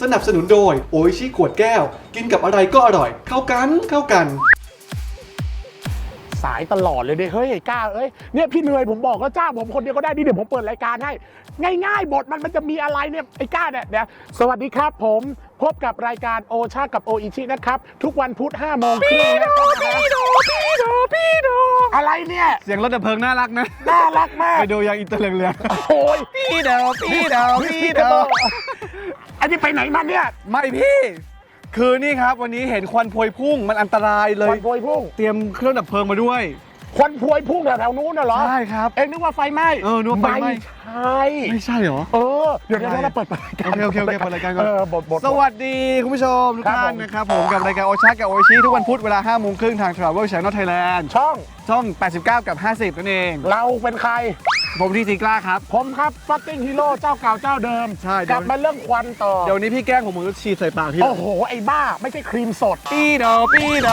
นับสนุนโดยโออิชิขวดแก้วกินกับอะไรก็อร่อยเข้ากันสายตลอดเลยดิเฮ้ยกล้าเนี่ยพี่เหนื่อยผมบอกก็จ้างผมคนเดียวก็ได้ดิเดี๋ยวผมเปิดรายการให้ง่ายๆบทมันจะมีอะไรเนี่ยไอ้กล้าเนี่ยสวัสดีครับผมพบกับรายการโอชากับโออิชินะครับทุกวันพุธ5 โมงครึ่งพี่โดอะไรเนี่ยเสียงรถดับเพลิงน่ารักนะน่ารักมากไปดูยังอินเตอร์เรืองโอ้ยพี่โดอันนี้ไปไหนมาเนี่ยไม่พี่คือนี่ครับวันนี้เห็นควันพวยพุ่งมันอันตรายเลยควันพวยพุ่งเตรียมเครื่องดับเพลิงมาด้วยควันพวยพุ่งแถวนู้นน่ะเหรอใช่ครับนึกว่าไฟไหม้นึกว่าไฟไหม้ไม่ใช่เหรอเดี๋ยวเราเปิดรายการโอเคเปิดรายการก่อนบทสวัสดีคุณผู้ชมทุกท่านนะครับผมกับรายการโอชากับโอชิทุกวันพุธเวลา 5 โมงครึ่งทาง Travel Channel Thailand ช่อง89กับ50นั่นเองเราเป็นใครผมที่ตีกล้าครับผมครับฟัตติ้งฮีโร่เจ้าเก่าเจ้าเดิมใช่กลับมาเรื่องควันต่อเดี๋ยวนี้พี่แกล้งผมมือฉีดใส่ปากพี่โอ้โหไอ้บ้าไม่ใช่ครีมสดพี่โด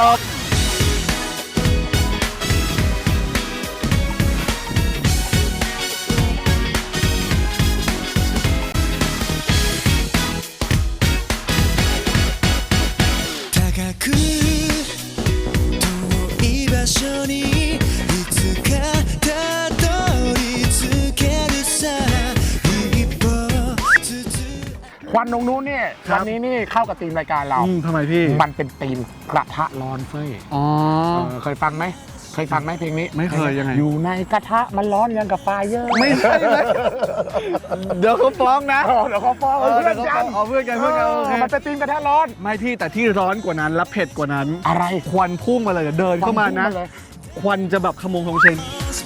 ควันตรงนู้นเนี่ยวันนี้นี่เข้ากับธีมรายการเราทำไมพี่มันเป็นธีมกระทะร้อนเฟ้ยเคยฟังไหมเพลงนี้ไม่เคยยังไงอยู่ในกระทะมันร้อนยังกับไฟเยอะไม่ใช่เลยเดี๋ยวเขาฟ้องนะเดี๋ยวเขาฟ้องเพื่อนกันเพื่อนกันมันเป็นธีมกระทะร้อนไม่พี่แต่ที่ร้อนกว่านั้นและเผ็ดกว่านั้นอะไรควันพุ่งมาเลยเดินเข้ามานะควันจะแบบขโมงของเชน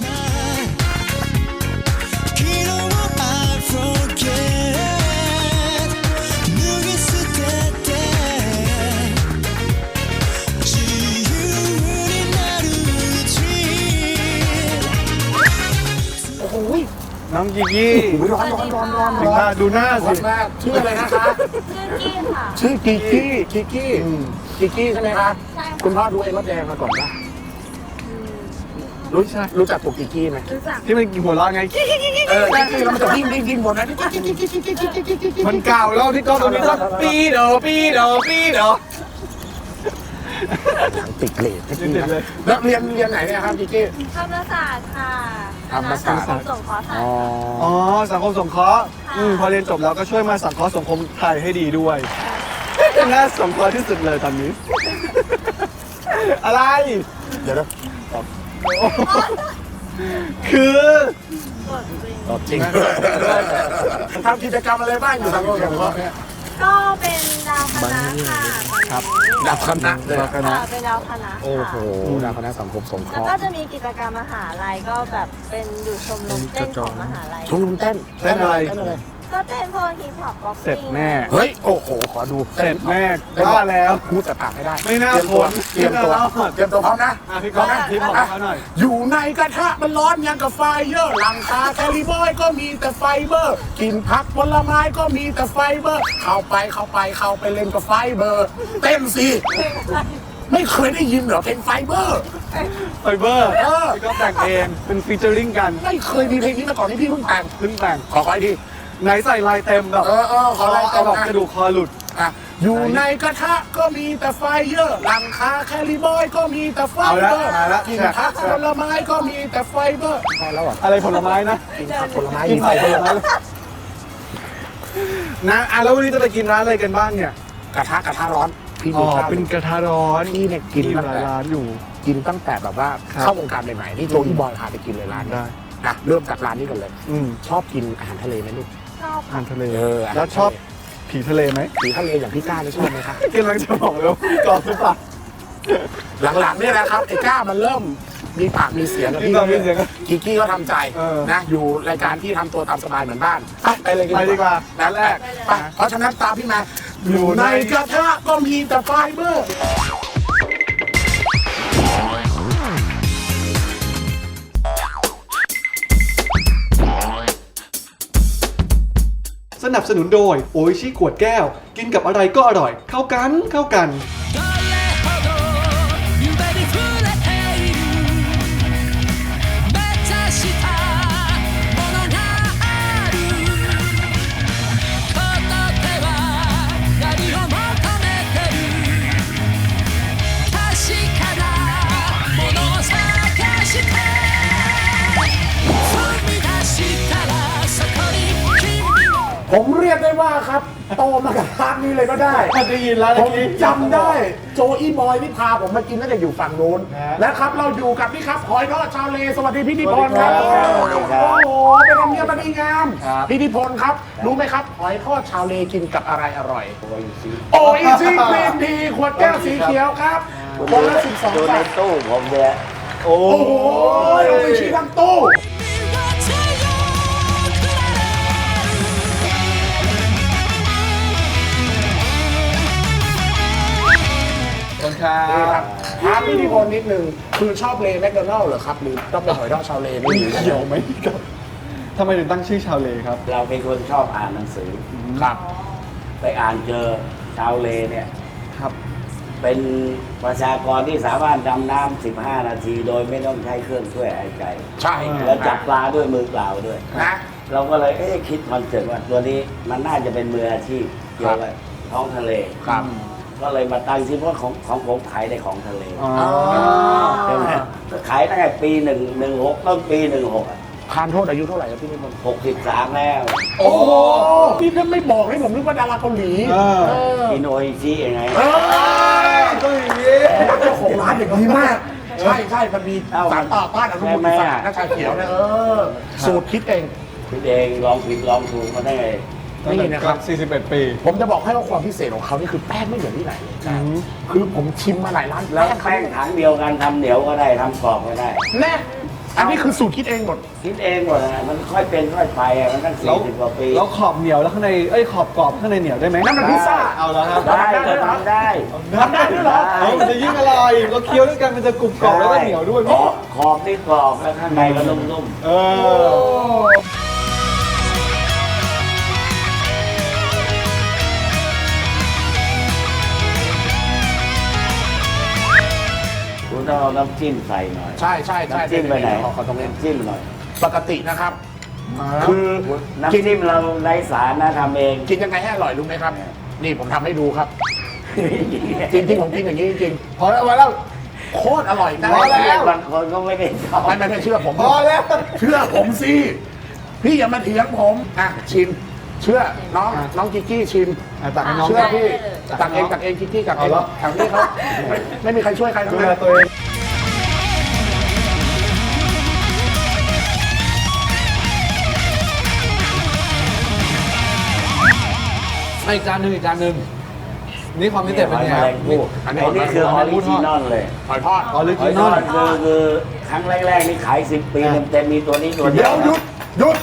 น้องกิกี้ร้อนดูหน้าสิชื่ออะไรนะคะชื่อกิกี้ใช่ไหมคะคุณพ่อดูไอ้มดแดงมาก่อนปะรู้จักตัวกิกี้ไหมที่มันหัวเราะไงกิกี้แล้วมันจะวิ่งบนนั้นมันเก่าแล้วที่ก็ตรงนี้ก็ปีโดติดเลทแล้วเรียนไหนเนี่ยครับกิกี้ธรรมศาสตร์ค่ะธรรมศาสตร์สงเคราะห์สังคมสงเคราะห์พอเรียนจบแล้วก็ช่วยมาสังเคราะห์สังคมไทยให้ดีด้วยน่าสงเคราะห์ที่สุดเลยตอนนี้อะไรเดี๋ยวคือจริงทำกิจกรรมอะไรบ้างอยู่สังคมสงเคราะห์เนี่ยก็เป็นดาวคณะค่ะครับดาวคณะเป็นดาวคณะโอ้โหดาวคณะสังคมสงเคราะห์แล้วก็จะมีกิจกรรมมหาลัยก็แบบเป็นอยู่ชมรมเต้นของมหาลัยชมรมเต้นอะไรก็เต้นพวกฮิปฮอปบ็อกซิ่งเสร็จแน่เฮ้ยโอ้โหขอดูเสร็จแน่ว่าแล้วพูดแต่ปากไม่ได้ไม่น่าทนเตรียมตัวพร้อมนะพี่ก๊อฟพี่บอกเขาหน่อยอยู่ในกระทะมันร้อนยังกับไฟเยอะหลังคาแคลิบอยก็มีแต่ไฟเบอร์กินผักผลไม้ก็มีแต่ไฟเบอร์เข้าไปเล่นกับไฟเบอร์เต้นสิไม่เคยได้ยินเหรอเพลงไฟเบอร์พี่ก๊อฟแต่งเองเป็นฟีเจอริ่งกันไม่เคยมีเพลงนี้มาก่อนที่พี่เพิ่งแต่งขอไปทีไหนใส่ลายเต็มแบบขอลายเต็มกระดูกคอหลุดอยู่ในกระทะก็มีแต่ไฟเยอะหลังคาแคลิบอยก็มีแต่ไฟเบอร์กินผักผลไม้ก็มีแต่ไฟเบอร์อะไรผลไม้นะกินผักผลไม้กินผลไม้นะแล้ววันนี้จะไปกินร้านอะไรกันบ้างเนี่ยกระทะร้อนพี่เป็นกระทะร้อนที่เนี่ยกินหลายร้านอยู่กินตั้งแต่แบบว่าเข้าวงการใหม่ๆนี่โจอี้บอยพาไปกินเลยร้านนี้นะเริ่มจากร้านนี้กันเลยชอบกินอาหารทะเลไหมลูกชอบอาหารทะเลแล้วชอบผีทะเลไหมผีทะเลอย่างพี่ก้าได้ชอบไหมครับกำลังจะบอกแล้วกอบหรือเปล่าหลังๆเนี่ยนะครับไอ้ก้ามันเริ่มมีปากมีเสียงกับพี่กิกี้ก็ทำใจนะอยู่รายการที่ทำตัวตามสบายเหมือนบ้านไปเลยดีกว่าร้านแรกเพราะฉะนั้นตามพี่มาอยู่ในกระทะก็มีแต่ไฟเบอร์สนับสนุนโดยโออิชิขวดแก้วกินกับอะไรก็อร่อยเข้ากันครับโตมากับร้านนี้เลยก็ได้ได้ยินแล้วผเมื่อมกี้จำได้โจอี้บอยนี่พาผมมากินตั้งแต่อยู่ฝั่งนู้นนะครับเราอยู่กับนี่ครับหอยทอดชาวเลสวัสดีพี่นิพนธ์ครับโอ้โหเป็นธรรมเนียมมันดีงามพี่นิพนธ์ครับรู้ไหมครับหอยทอดชาวเลกินกับอะไรอร่อยโอ้ยซีกรีนทีขวดแก้วสีเขียวครับคนละ12 ดูในบาทตู้ผมเนี่ยโอ้โอ้โหโออิชิทั้งตู้คนครันี่ครับ บถามพี่นิพนธ์นิดนึงคือชอบเลแมคโดนัลล์เหรอครับหรือต้องเป็นหอยทอดชาวเลนี่เกี่ยวไหมครับทำไมถึงตั้งชื่อชาวเลครับเราเป็นคนชอบอ่านหนังสือครับไปอ่านเจอชาวเลเนี่ยครับเป็นประชากรที่สามารถดำน้ำ15 นาทีโดยไม่ต้องใช้เครื่องช่วยหายใจใช่แล้วจับปลาด้วยมือเปล่าด้วยนะเราก็เลยคิดคอนเซ็ปต์ว่าตัวนี้มันน่าจะเป็นมืออาชีพเกี่ยวกับท้องทะเลครับก็เลยมาตั้งชื่อเพราะของผมขายในของทะเลอ๋อใช่ไหมก็ขายตั้งแต่ปี16ต้นปี16อ่ะทานโทษอายุเท่าไหร่ครับพี่นิพนธ์ 63แล้วโอ้โหนี่ถ้าไม่บอกให้ผมนึกว่าดาราเกาหลีอินโออิชิยังไงเออก็อย่างนี้เจ้าของร้านอย่างนี้มาก ใช่ใช่มันมีสารต่อต้านอนุมูลอิสระน้าชาเขียวเนี่ยสูตรคิดเองพี่เองลองผิดลองถูกมาได้ไงนี่นะครับ 41 ปีผมจะบอกให้ว่าความพิเศษของเขานี่คือแป้งไม่เหมือนที่ไหนคือผมชิมมาหลายร้านแล้วเขาแป้งถังเดียวกันทำเหนียวก็ได้ทำกรอบก็ได้แน่อันนี้คือสูตรคิดเองหมดคิดเองหมดนะมันค่อยเป็นค่อยไปอะมันตั้งแล้ว 40 กว่าปีแล้วขอบเหนียวแล้วข้างในขอบกรอบข้างในเหนียวได้ไหมนั่นมันพิซซ่าเอาแล้วครับได้ก็ทำได้ทำได้ด้วยเหรอเอามันจะยิ่งอร่อยเราเคี้ยวด้วยกันมันจะกรุบกรอบแล้วก็เหนียวด้วยขอบขอบนี่กรอบแล้วข้างในก็นุ่มเออๆคุณต้องเอาน้ำจิ้มใส่หน่อยใช่ใช่ใช่น้ำจิ้มไปไหนขอตรงนี้น้ำจิ้มหน่อยปกตินะครับ คือน้ำจิ้มเราไร้สารนะทำเองกินยังไงให้อร่อยรู้ไหมครับ นี่ผมทำให้ดูครับ จริงๆผมกินอย่างนี้จริงๆพอแล้วโคตรอร่อยนะพอแล้วบางคนก็ไม่ได้ชอบไม่เชื่อผมพอแล้วเชื่อผมสิพี่อย่ามาเถียงผมอ่ะชิม เชื่อน้องกิกกี้ชิมตักให้น้องเชื่อพี่ตัตักกให้เอน้องงตักเองกิกกี้ตักเองเอาแล้วแถวนี้เขาไม่มีใครช่วยใครทั้ดูงแลนั้นตัวเองอีกจานหนึ่งอีกจานหนึ่งนี่ความพิเศษเป็นไงครับอันนี้อันนี้คือออริจินอลเลยหอยทอดออริหอจิยนทออลดคือครั้งแรกๆนี่ขาย 10 ปีเต็มๆมีตัวนี้ตัวเดีเดี๋ยยว วหยุด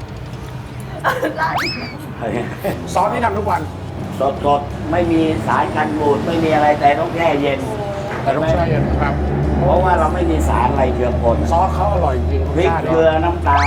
ซอสที่ทำทุกวันสดๆไม่มีสารกันบูดไม่มีอะไรแต่ต้องแช่เย็นแต่ต้องใช้ครับเพราะว่าเราไม่มีสารอะไรเจือปนซอสเขาอร่อยจริงพริกเกลือน้ำตาล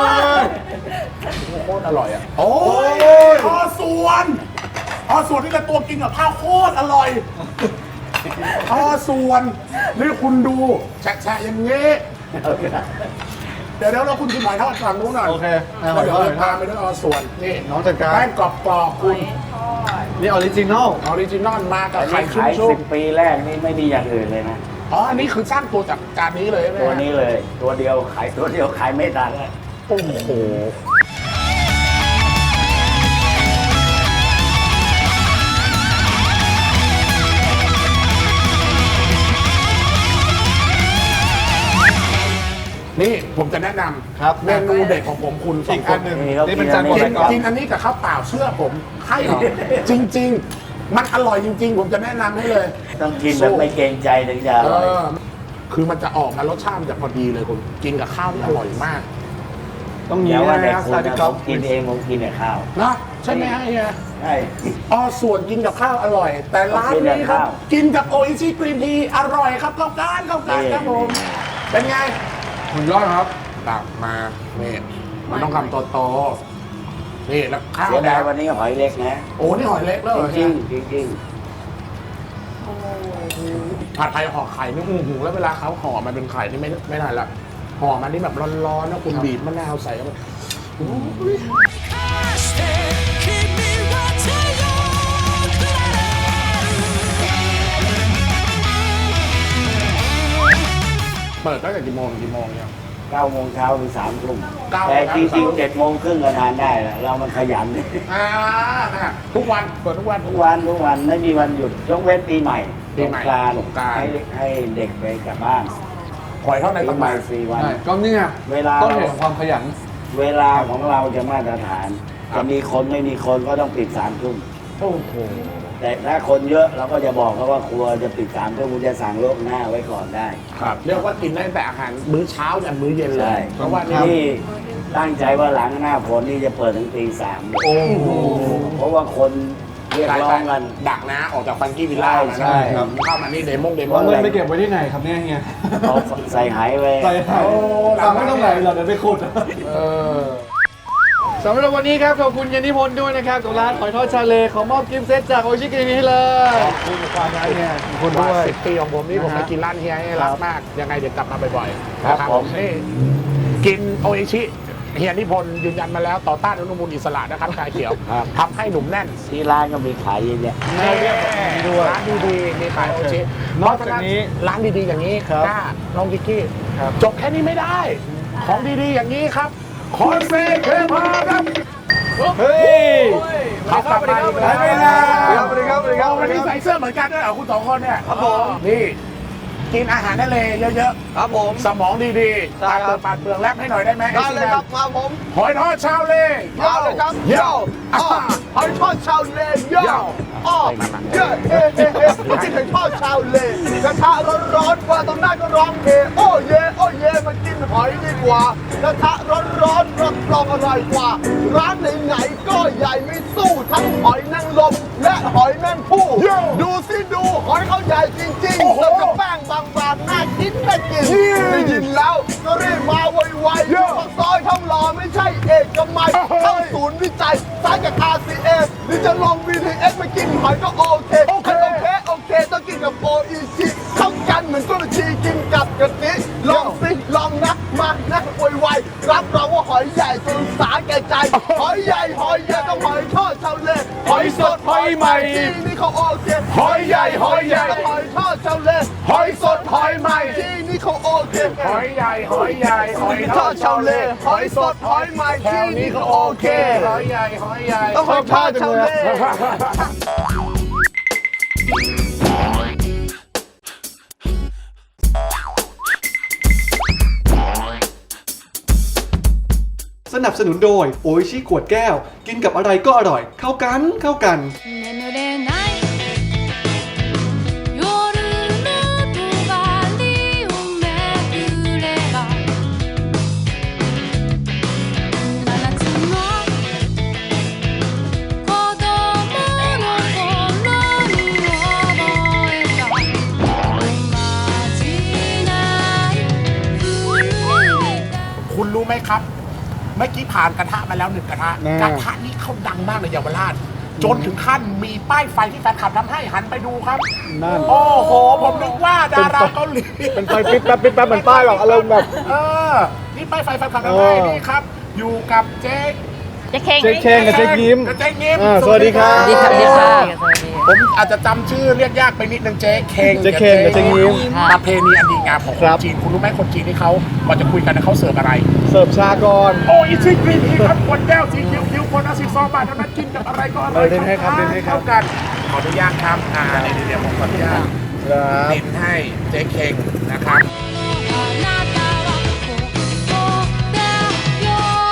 โคตรอร่อยอ่ะโอ้ยพอส่วนที่จะตัวกินกับข้าวโคตรอร่อยพอส่วนนี่คุณดูแฉะอย่างนี้ เดี๋ยวเราคุณกินหอยทอดฝั่งนู้นหน่อยโอเคแล้วเดี๋ยวเราพาไปด้วยส่วนนี่น้องจัดการแป้งกรอบๆคุณนี่ออริจินอลออริจินอลมากับอันไข่นี้ชุ่ขายม 10 ปีแรกนี่ไม่มีอย่างอื่นเลยนะๆอ๋ออันนี้คือสร้างตัวจากจานนี้เลยใช่ไหมตัวนี้เลย ตัวเดียวขายตัวเดียวขายไม่ทันเลยโอ้โหนี่ผมจะแนะนำครับเมนูเด็ดของผมคุณสออีงกคอันนหนึ่งนี่เขานี่เป็นกินจานอันนี้โปรไก่กรอบกินอันนี้กับข้าวเปล่าเชื่อผมให้เหรอจริง ๆ มันอร่อยจริง ๆ ผมจะแนะนำให้เลยต้องกินแบบไม่เกรงใจถึงจะอเอร่อยอคือมันจะออกมารสชาติมันจะพอดีเลยคุณกินกับข้าวที่อร่อยมากต้องอนี้ย่าว่านะแต่ครับคุสณวัสดีนะคผรับมกินเองผมกินแต่ข้าวนะใช่ไหมฮะเฮียใช่ส่วนกินกับข้าวอร่อย แต่ร้านนี้ครับกินกับโออิชิกรีนทีอร่อยครับเข้ากันครับผมเป็นไงคุณยอดครับตักมานี่มันต้องคำโตๆนี่แล้วข้าวเสียแดดายงวันนี้หอยเล็กนะโอ้นี่หอยเล็กแล้วเหรอจริเนี่ยงๆจริงผัดไทยห่อไข่นี่แล้วเวลาเขาห่อมันเป็นไข่นี่ไม่ได้ละห่อมันนี่แบบร้อนๆนะคุณบีบมะนาวใส่เข้าไปโอ้ยเปิดตั้งแต่กี่โมงเนี่ยๆ 9 โมงเช้าถึง 3 ทุ่ม 9 แต่จริงๆ 7 โมงครึ่งก็ทานได้แหละเรามันขยันทุกวันเปิดทุกวันทุกวันไม่มีวันหยุดยกเว้นปีใหม่ปีใหม่สงกรานต์สงกรานต์ให้เด็กไปกลับบ้านหอยเท่าในปีตำใหนาม่น 4 วันใช่ก็เนี่ยเวลาต้นเหตุของความขยันเวลาของเราจะมาตรฐาน จะมีคนไม่มีคนก็ต้องปิด 3 ทุ่มโอ้โหแต่ถ้าคนเยอะเราก็จะบอกเขาว่าครัวจะปิด3 ทุ่มคุณจะสั่งล่วงหน้าไว้ก่อนได้ครับเรียกว่ากินได้แต่อาหารมื้อเช้ายันมื้อเย็นเลใช่ยเพราะว่านี่นี่ตั้งใจว่าหลังหน้าฝนนี่จะเปิดถึงตี 3 โอ้โหเพราะว่าคนเรียกร้องกันดักนะออกจากฟังกี้วิลล่ามาใช่ครับเข้ามานี่เดโมงว่าเลเงินยไปเก็บไว้ที่ไหนครับเนี่ยเฮียเขาใส่หายไว้ใส่หายสั่งไม่ต้องไหนเราเดี๋ยวไปขุด สำหรับวันนี้ครับขอบคุณเยนนิพนธ์ด้วยนะครับกับร้านหอยทอดชาเลขอมอบกิฟต์เซตจากโอชิกินี้ให้เลยขอบคุณความรักเนี่ยขอบคุณว่าด้วย 10 ปีของผมนี่ผมไปกินร้านเฮียให้รักมาก ยังไงเดี๋ยวกลับมาบ่อยๆนะนี่กินโออิชิเฮียนิพนธ์ยืนยันมาแล้วต่อต้านอนุมูลอิสระนะครับชาเขียวทำให้หนุ่มแน่นที่ร้านก็มีขายเยอะแยะร้านดีๆมีขายโออิชินอกจากนี้ร้านดีๆอย่างนี้ครับกล้าน้องกิกกี้ครับจบแค่นี้ไม่ได้ ของดีๆอย่างนี้ครับคอนเซ็ปต์เคพาครับเฮ้ยเขากลับมาอีกแล้วสวัสดีครับสวัสดีครับวันนี้ใส่เสื้อเหมือนกันด้วยเหรอคุณสองคนเนี่ยครับผมนี่กินอาหารทะเลเยอะครับผมๆ สมองดีๆได้ตาครับเปิดปากเปลืองแลบให้หน่อยได้ไหมได้เลยครับมาผมหอยทอดชาวเลมาเลยครับโย่อ้อหอยทอดชาวเลโย่อ้อเย้เฮ้เฮ้เฮ้กินหอยทอดชาวเลกระทะร้อนๆว่าตรงหน้าก็ร้องเฮโอ้เย่โอ้เย่มากินหอยดีกว่ากระทะร้อนๆรับรองอร่อยกว่า ร้านไหนๆก็ใหญ่ไม่สู้ทั้งหอยนางรมและหอยแมงผู้ดูสิดูหอยเขาใหญ่จริงๆแล้วก็แป้งบางๆน่ากินน่ากินได้ยินแล้วก็รีบมาไวๆอยู่ปากซอยทองหล่อไม่ใช่เอกมัยเข้าศูนย์วิจัยสายกับ RCA หรือจะลง BTS มากินหอยก็โอเคโอเคต้องกินกับโออิชิเข้ากันเหมือนกุระชีกินกับกะทิลองสิลองนะมานะไวๆรับรองว่าหอยใหญ่จนสาแก่ใจหอยใหญ่ต้องหอยทอดชาวเลหอยสดหอยใหม่ที่นี่เขาโอเคหอยใหญ่หอยทอดชาวเลหอยสดหอยใหม่ที่นี่เขาโอเคหอยใหญ่หอยทอดชาวเลหอยสดหอยใหม่ที่นี่เขาโอเคหอยใหญ่ต้องหอยทอดชาวเลสนับสนุนโดยโออิชิขวดแก้ว กินกับอะไรก็อร่อย เข้ากันเข้ากัน眠れない夜のとばりをめくれば真夏の子供の頃に覚えたおまじない古いคุณรู้ไหมครับ เมื่อกี้ผ่านกระทะมาแล้ว1 กระทะ กระทะนี้เขาดังมากในเยาวราช จนถึงขั้นมีป้ายไฟที่แฟนคลับทำให้หันไปดูครับนั่นโอ้โห ผมนึกว่าดาราเกาหลีเป็นไฟปิ๊บแป๊บเหมือนป้ายหรอกอารมณ์แบบนี่ป้ายไฟแฟนคลับทำให้นี่ครับ อยู่กับเจ๊เจ๊เข่งเจ๊เข่งกับเจ๊ยิ้มกับเจ๊ยิ้มสวัสดีครับสวัสดีค่ะสวัสดีค่ะผมอาจจะจำชื่อเรียกยากไปนิดนึงเจ๊เข่งเจ๊เข่งกับเจ๊ยิ้มประเพณีอันดีงามของคครันบจีนคุณรู้ไหมคนจีนที่เขาก่อนจะคุยกันนะเขาเสิร์ฟอะไรเสิร์ฟชาก่อนโอ้อิชิกรีนทีครับขวดแก้วสีเขียวๆคนละ12 บาทเท่านั้นกินกับอะไรก็อร่อยเล่นให้ครับเล่นให้ครับเข้ากันขออนุญาตครับเดี๋ยวผมขออนุญาตครับดินให้เจ๊เข่งนะครับあなたはここだよ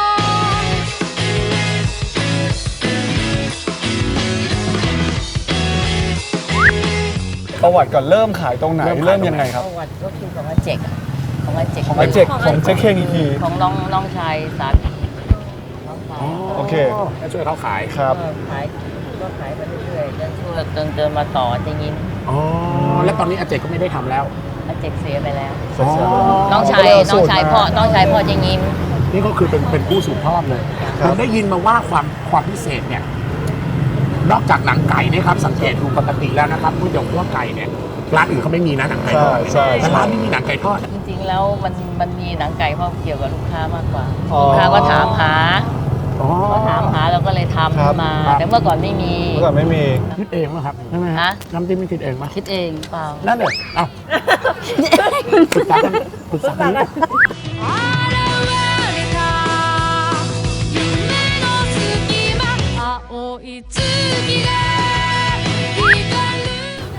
ประวัติก่อนเริ่มขายตรงไหนเริ่เริ่มมขายตรงไหนยังไงครับประวัติก็คือของอาเจกอะของอาเจกของอาเจกของเจ๊เข่งอีกทีของน้องชายสามีน้องชายโอเคให้ช่วยเขาขายครับก็ขายก็ขายไปเรื่อยๆจนช่วยจนมาต่อจะยิ้มอ๋อ แล้วตอนนี้อาเจกก็ไม่ได้ทำแล้วอาเจกเสียไปแล้วอ๋อน้องชายพ่อจะยิ้มนี่ก็คือเป็นผู้สืบทอดเลยครับผมได้ยินมาว่าความพิเศษเนี่ย นอกจากหนังไก่เนี่ยครับสังเกตดูปกติแล้วนะครับก๋วยเตี๋ยวคั่วไก่เนี่ยร้านอื่นเขาไม่มีนะหนังไก่ทอดใช่แต่ร้านนี้มีหนังไก่ทอดจริงๆแล้วมันมีหนังไก่เพราะเกี่ยวกับลูกค้ามากกว่าอ๋อลูกค้าก็ถามหาอ๋อก็ถามหาเราก็เลยทำครับมา แต่เมื่อก่อนไม่มีเมื่อก่อนไม่มีคิดเองป่ะครับใช่ไหมฮะน้ำจิ้มไม่คิดเองป่ะคิดเองเปล่านั่นเลยเอ้าปรึกษากันปรึกษากันあ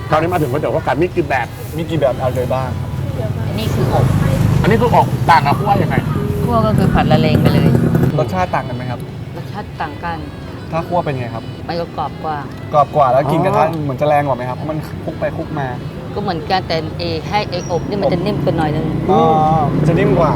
คราวนี้มาถึงก๋วยเตี๋ยวข้าวไก่มีกี่แบบมีกี่แบบอะไรบ้างอันนี้คืออบอันนี้คือออกต่างกับคั่วยังไงคั่วก็คือผัดละเลงไปเลยรสชาติต่างกันไหมครับรสชาติต่างกันถ้าคั่วเป็นไงครับมันก็กรอบกว่ากรอบกว่าแล้วกินกระทะเหมือนจะแรงกว่าไหมครับเพราะมันคลุกไปคลุกมาก็เหมือนกันแต่ให้อบนี่มันจะนิ่มกว่าหน่อยนึงอ๋อจะนิ่มกว่า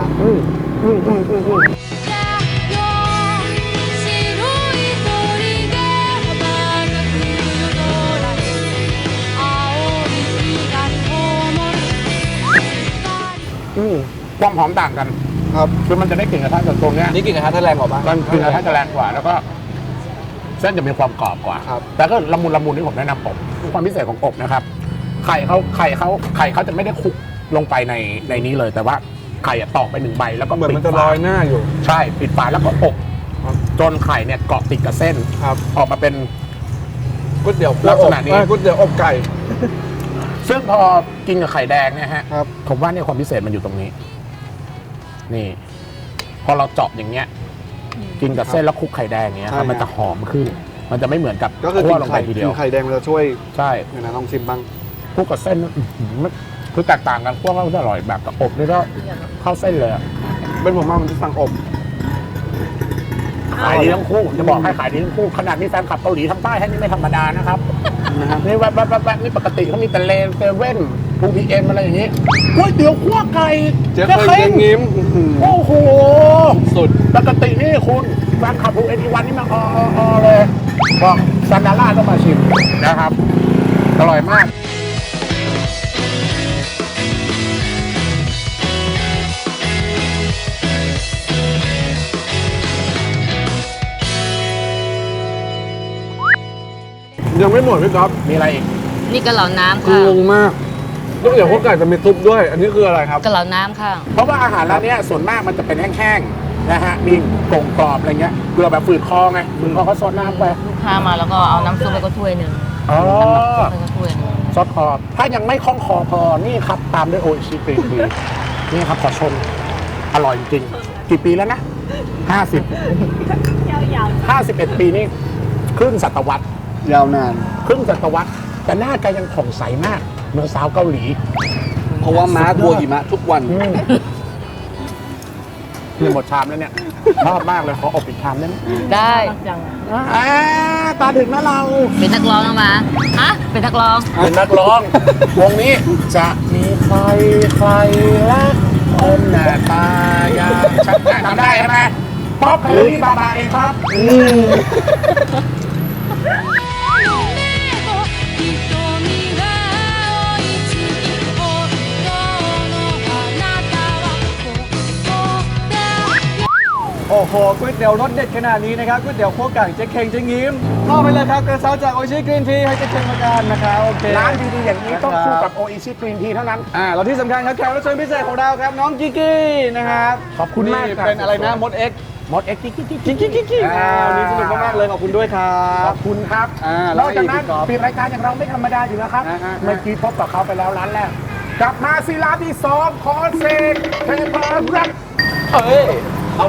白い鳥が羽ばたく夜空に青い光灯るความหอมต่างกันครับคือมันจะได้กลิ่นกระทะจากตรงเนี้ยนี่กินกระทะถ้าแรงกว่าปะก็กลิ่นกระทะจะแรงกว่า แล้วก็เส้นจะมีความกรอบกว่าครับแต่ก็ละมุนที่ผมแนะนำอบความพิเศษของอบนะครับ ไข่เขาจะไม่ได้คลุกลงไปในนี้เลย แต่ว่าไข่อะตอกไป1 ใบแล้วก็เหมือนปิดมันจะฝาลอยหน้าอยู่ใช่ปิดฝาแล้วก็อบจนไข่เนี่ยเกาะติดกับเส้นครับออกมาเป็นก๋วยเตี๋ยวลักษณะนี้ก๋วยเตี๋ยวอบไก่ซึ่งพอกินกับไข่แดงเนี่ยฮะครับผมว่าเนี่ยความพิเศษมันอยู่ตรงนี้ นี่ พอเราเจาะอย่างเงี้ย กินกับเส้นแล้วคลุกไข่แดงเงี้ยครับมันจะหอมขึ้น มันจะไม่เหมือนกับก็คือคั่กิวน ลงไปไข่ทีเดีกิยวนไข่แดงมันจะช่วยใช่เนี่ยนะลองชิมบ้างคลุกกับเส้นคือแตกต่างกันคั่วก็จะอร่อยแบบกับอบนี่ก็เข้าเส้นเลยอะเป็นผมมามันจะสั่งอบขายดีทั้งคู่จะบอกให้ขายดีทั้งคู่ขนาดมีแฟนคลับเกาหลีทางใต้ให้นี่ไม่ธรรมดานะครับนี่แวบนี่ปกติเขามีแต่เลนเซเว่นทูพีเอ็มอะไรอย่างงี้ก๋วยเตี๋ยวคั่วไก่เจ๊เคยเจ๊งิ้มโอ้โหสุดปกตินี่คุณแฟนคลับทูเอ็นทีวันนี่มาอเลยบอกซานดาร่าต้องมาชิมนะครับอร่อยมากยังไม่หมดพี่ก๊อฟมีอะไรอีกนี่กะเหล่าน้ำคืค่ะองงมากก๋วยเตี๋ยวข้าวไก่จะมีซุปด้วย อันนี้คืออะไรครับกะเหล่าน้ำค่ะเพราะว่าอาหารร้านเนี้ยส่วนมากมันจะเป็นแห้งๆนะฮะมีกล่องกรอบอะไรเงี้ยเกลือแบบฝืดคอไงฝืดคอเขาซดน้ำไปลูกค้ามาแล้วก็เอาน้ำซุปไปก็ถ้วยหนึ่งอ๋อน้ำซุปไปก็ถ้วยหนึ่งซดคอถ้ายังไม่คล่องคอพอนี่ครับตามด้วยโออิชิกรีนทีนี่ครับขอชมอร่อยจริงๆกี่ปีแล้วนะ51 ปีนี่ครึ่งศตวรรษยาวนานครึ่งศตวรรษแต่หน้าแกยังผ่องใสมากเหมือนสาวเกาหลีเพราะว่าม้าทัวหิมะทุกวันนี่หมดชามแล้วเนี่ยชอบมากเลยขออบอีกชามได้ไหมได้ตาถึงนะเราเป็นนักร้องแล้วมาฮะเป็นนักร้องเป็นนักร้อง วงนี้จะมีใครรักคนหน้าตาอย่างฉันทำได้ใช่ไหมป๊อปคาร์ลี่บาบาเองครับ瞳が青い月本当のあなたはここだโอ้โหก๋วยเตี๋ยวรสเด็ดขนาดนี้นะครับก๋วยเตี๋ยวคั่วไก่เจ๊เข่งเจ๊งิ้มมอบไปเลยครับกระเช้าจากโอชิกรีนทีให้เจ๊เข่งมากันนะครับโอเคร้านดีๆอย่างนี้ต้องคู่กับโออิชิกรีนทีเท่านั้นแล้วที่สำคัญครับแขกรับเชิญพิเศษของเราครับน้องกิกกี้นะครับขอบคุณมากนี่ครับเป็นอะไรนะมดเอ็กมดเอ็กซ์กิ๊กกิ๊กวันนี้สนุกมากๆเลยขอบคุณด้วยครัขบอบคุณครับแล้นวอกจากนั้นอีกครับปิดรายการอย่างเราไม่ธรรมดาอยู่แล้วครับ เมื่อกี้พบกับเขาไปแล้วร้านแรกกลับมาสิร้านที่2ขอเซกเทพรัตน์เฮ้ยเอา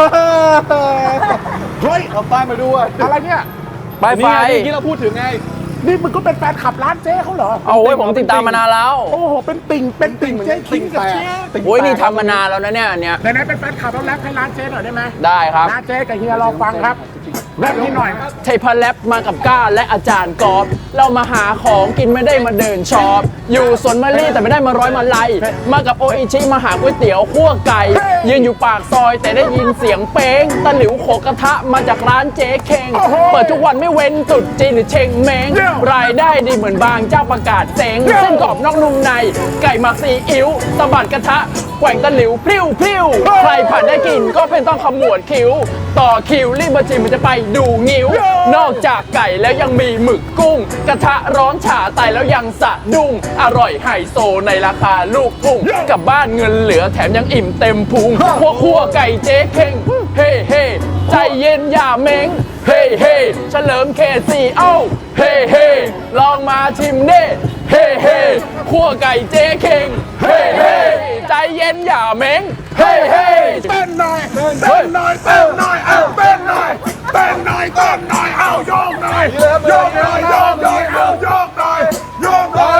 เฮ้ยเอาป้ายมาด้วยอะไรเนี่ยป้ายไฟนี่ไงที่เราพูดถึงไงนี่มึงก็เป็นแฟนขับร้านเจ๊เขาเหรอโอ้ยผมติดตามมานานแล้วโอ้โห เป็นติ่งเจ๊คิงกับเจ๊โอ้ยนี่ทำมานานแล้วนะเนี่ยอันเนี้ยไหนๆเป็นแฟนขับแล้วแรปให้ร้านเจ๊หน่อยได้ไหมได้ครับร้านเจ๊กับเฮียลองฟังครับแรปนิดหน่อยเทพแลบมากับก้าและอาจารย์กอบเรามาหาของกินไม่ได้มาเดินช็อปอยู่สวนมะลิแต่ไม่ได้มาร้อยมาลัยมากับโออิชิมาหาก๋วยเตี๋ยวคั่วไก่ยืนอยู่ปากซอยแต่ได้ยินเสียงเป้งตะหลิวโขกกระทะมาจากร้านเจ๊เข่งเปิดทุกวันไม่เว้นตรุษจีนหรือเชงเม้งรายได้ดีเหมือนบางเจ้าประกาศเซ็งเส้นกรอบนอกนุ่มในไก่หมักซีอิ๊วสะบัดกระทะแกว่งตะหลิวพริ้วพริ้วใครผ่านได้กินก็เป็นต้องขมวดคิ้วต่อคิวรีบมาชิมมันจะไปดูงิ้วนอกจากไก่แล้วยังมีหมึกกุ้ง กระทะร้อนฉ่าไตแล้วยังสะดุ้งอร่อยไฮโซในราคาลูกทุ่งกลับบ้านเงินเหลือแถมยังอิ่มเต็มพุงคั่วไก่เจ๊เข่งเฮ้เฮ้ใจเย็นอย่าเม้งเฮ้เฮ้เฉลิมเขต4เอ้าเฮ้เฮ้ลองมาชิมเด้เฮ้เฮ้คั่วไก่เจ๊เข่งเฮ้เฮ้ใจเย็นอย่าเม้งเฮ้เฮ้เต้นหน่อยเต้นหน่อยเต้นหน่อยเอาเต้นหน่อยเต้นหน่อยเต้นหน่อยเอาโยกหน่อยโยกหน่อยโยกหน่อยเอาโยกหน่อยโยกหน่อย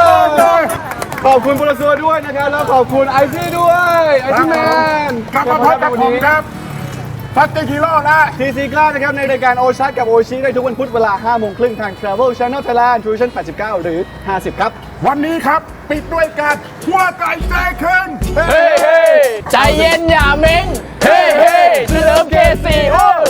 คุณโปรซัวด้วยนะครับแล้วขอบคุณไอซี่ด้วยไอซี่แมนกลับมาพบกับผมครับฟัตเตอร์ฮีโร่นะทีซีกล้านะครับในรายการโอชัดกับโอชิได้ทุกวันพุธเวลา 5 โมงครึ่งทาง Travel Channel Thailand Fusion 89 หรือ 50 ครับวันนี้ครับปิดด้วยการหัวไก่ใจขึ้นเฮ้เฮ้ใจเย็นอย่าเม้งเฮ้เฮ้เฉลิมเคซีโอ้